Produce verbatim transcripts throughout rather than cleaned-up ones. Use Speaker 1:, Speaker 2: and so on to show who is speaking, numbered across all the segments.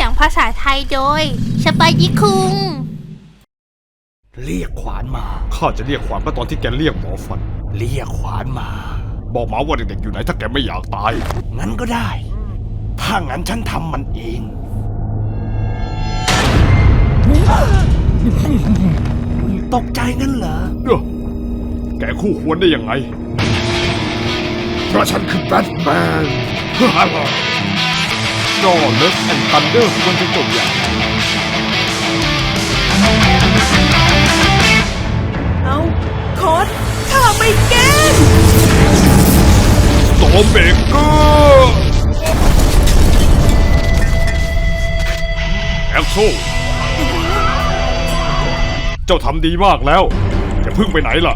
Speaker 1: สียงภาษาไทยโดยสไปยิคุง
Speaker 2: เรียกขวานมา
Speaker 3: ข้าจะเรียกขวานก็ตอนที่แกเรียกหมอฟัน
Speaker 2: เรียกขวานมา
Speaker 3: บอกหมาว่าเด็กๆอยู่ไหนถ้าแกไม่อยากตาย
Speaker 2: งั้นก็ได้ถ้างั้นฉันทำมันเองตกใจงั้นเหรอ
Speaker 3: แกคู่ควรได้ยังไง
Speaker 2: เพราะฉันคือแบทแมน
Speaker 3: จอเลสแอนด์ทันเดอร์ควรจะจบอย่าง
Speaker 4: เอาโค้ดข้าไม่แก้
Speaker 3: สโตมเบเกอร์แอคโซเจ้าทำดีมากแล้วจะพึ่งไปไหนล่ะ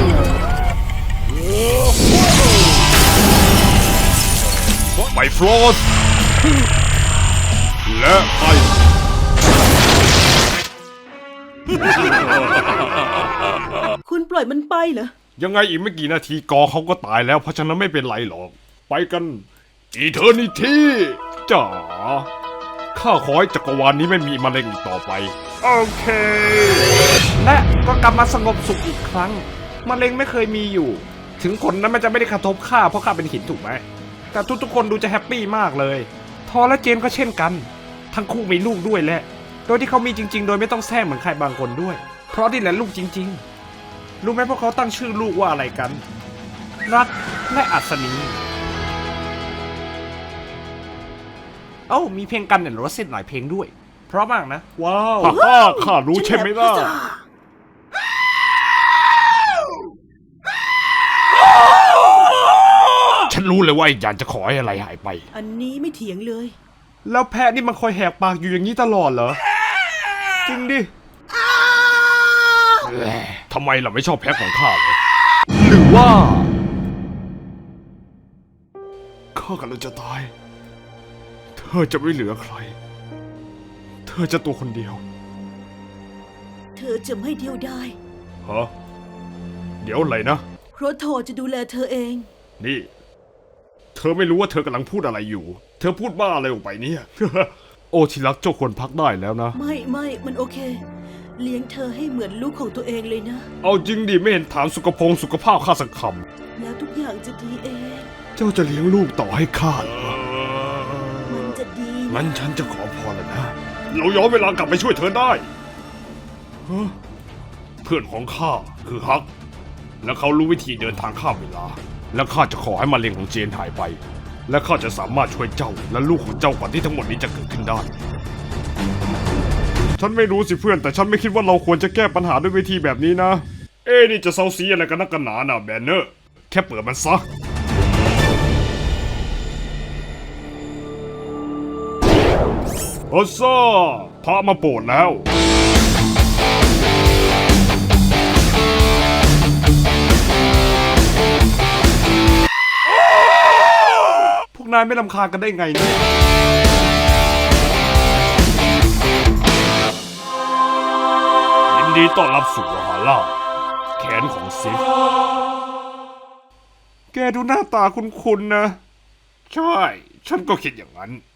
Speaker 3: ไมฟลอสและไอ
Speaker 4: คุณปล่อยมันไปเหรอ
Speaker 3: ยังไงอีกไม่กี่นาทีกอเขาก็ตายแล้วเพราะฉะนั้นไม่เป็นไรหรอกไปกันอีเทอร์นิตี้จ๋าข้าขอให้จักรวาลนี้ไม่มีมะเร็งอีกต่อไปโอเค
Speaker 5: และก็กลับมาสงบสุขอีกครั้งมะเร็งไม่เคยมีอยู่ถึงผลนั้นมันจะไม่ได้กระทบข้าเพราะข้าเป็นหินถูกไหมแต่ทุกๆคนดูจะแฮปปี้มากเลยทอและเจนก็เช่นกันทั้งคู่มีลูกด้วยแหละโดยที่เขามีจริงๆโดยไม่ต้องแท้งเหมือนใครบางคนด้วยเพราะนี่แหละลูกจริงๆรู้ไหมพวกเขาตั้งชื่อลูกว่าอะไรกันรักและอัศนีเอ้ามีเพลงกันเนี่ยรถเส้นหลายเพลงด้วยเพราะมากนะ
Speaker 3: ว้าวฮ่าข้ารู้ใช่ไหมล่ะฉันรู้เลยว่าอยากจะขอให้อะไรหายไป
Speaker 4: อันนี้ไม่เถียงเลย
Speaker 5: แล้วแพะนี่มันคอยแหกปากอยู่อย่างนี้ตลอดเหรอจริงดิ
Speaker 3: ทำไมเราไม่ชอบแพะของข้าเลยหรือว่าข้ากำลังจะตายเธอจะไม่เหลือใครเธอจะตัวคนเดียว
Speaker 4: เธอจะไม่เดียวดาย
Speaker 3: ฮะเดี๋ยวอะไรนะ
Speaker 4: เพราะทอจะดูแลเธอเอง
Speaker 3: นี่เธอไม่รู้ว่าเธอกำลังพูดอะไรอยู่เธอพูดบ้าอะไรออกไปเนี่ย โอ้ที่รักเจ้าควรพักได้แล้วนะ
Speaker 4: ไม่ไม่มันโอเคเลี้ยงเธอให้เหมือนลูกของตัวเองเลยนะ
Speaker 3: เอาจริงดิไม่เห็นถามสุขภงสุขภาพข้าสักค
Speaker 4: ำแล้วทุกอย่างจะดีเอง
Speaker 3: เจ้าจะเลี้ยงลูกต่อให้ข้า
Speaker 4: มันจะดี
Speaker 3: งั้นฉันจะขอพรแล้วนะเราย้อนเวลากลับไปช่วยเธอได้เพื่อนของข้าคือฮักและเขารู้วิธีเดินทางข้ามเวลาและข้าจะขอให้มะเร็งของเจนหายไปและข้าจะสามารถช่วยเจ้าและลูกของเจ้าก่อนที่ทั้งหมดนี้จะเกิดขึ้นได้ฉันไม่รู้สิเพื่อนแต่ฉันไม่คิดว่าเราควรจะแก้ปัญหาด้วยวิธีแบบนี้นะเอ๊นี่จะเซาซีอะไรกันนักกันหนาน่ะแบนเนอร์แค่เปิดมันซะโอซ่าพระมาโปรดแล้ว
Speaker 5: พวกนายไม่รำคาญกันได้ไงเนี่ย
Speaker 3: ยินดีต้อนรับสู่วาฮาร่าแขนของซิฟ
Speaker 5: แกดูหน้าตาคุ้นๆนะ
Speaker 3: ใช่ฉันก็คิดอย่างนั้น